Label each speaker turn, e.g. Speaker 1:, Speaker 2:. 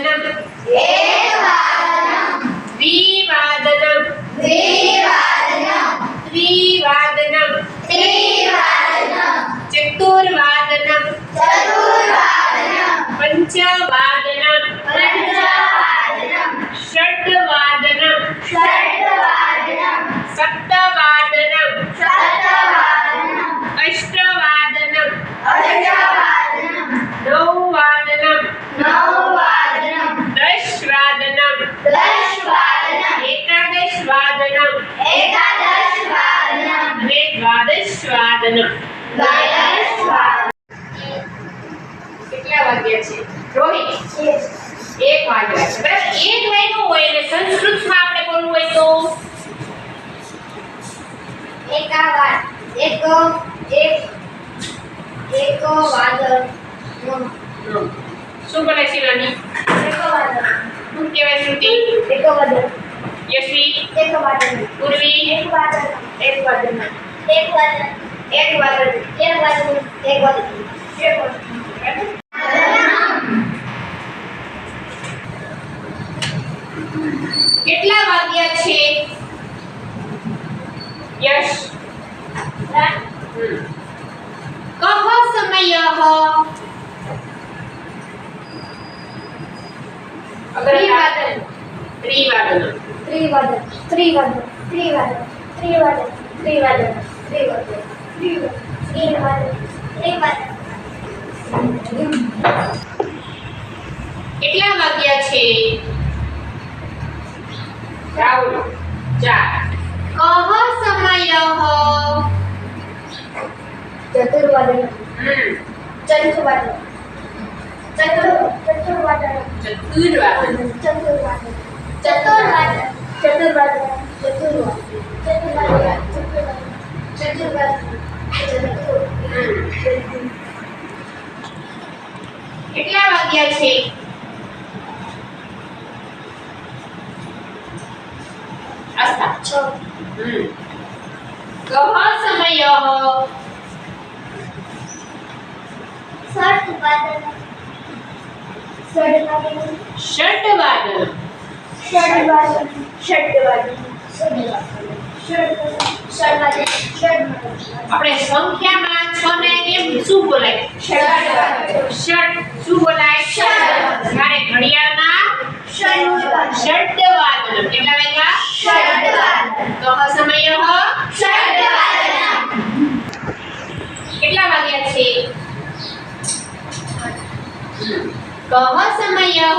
Speaker 1: एकवादनम् द्विवादनम् त्रिवादनम् चतुर्वादनम् पंचवादनम् षड्वादनम् सप्तवादनम् अष्टवादनम् नववादनम् दशवादनम् एकादशवादनम् द्वादशवादनम् કેટલા વાગ્યા છે રોહિત 1 વાગ્યા છે બરાબર 1 વાગ્યું હોય એટલે સંસ્કૃતમાં આપણે બોલવું હોય તો શું બોલે શિવાની શું કહેવાય શ્રુતિ યશ્વી પૂર્વી કેટલા વાગ્યા છે યશ कः समयः કેટલા વાગ્યા છે રાહુલ 4 कः समयः
Speaker 2: चतुर्वादन
Speaker 1: કેટલા વાગ્યા છે આસ્થા 6 કહ સમયઃ આપણે સંખ્યામાં 6 ને કેમ શું બોલાય ષડ શું બોલાય જ્યારે ઘડિયાળના ષડવાદન કેટલા વાગ્યા કહ સમયઃ કેટલા વાગ્યા છે कः समयः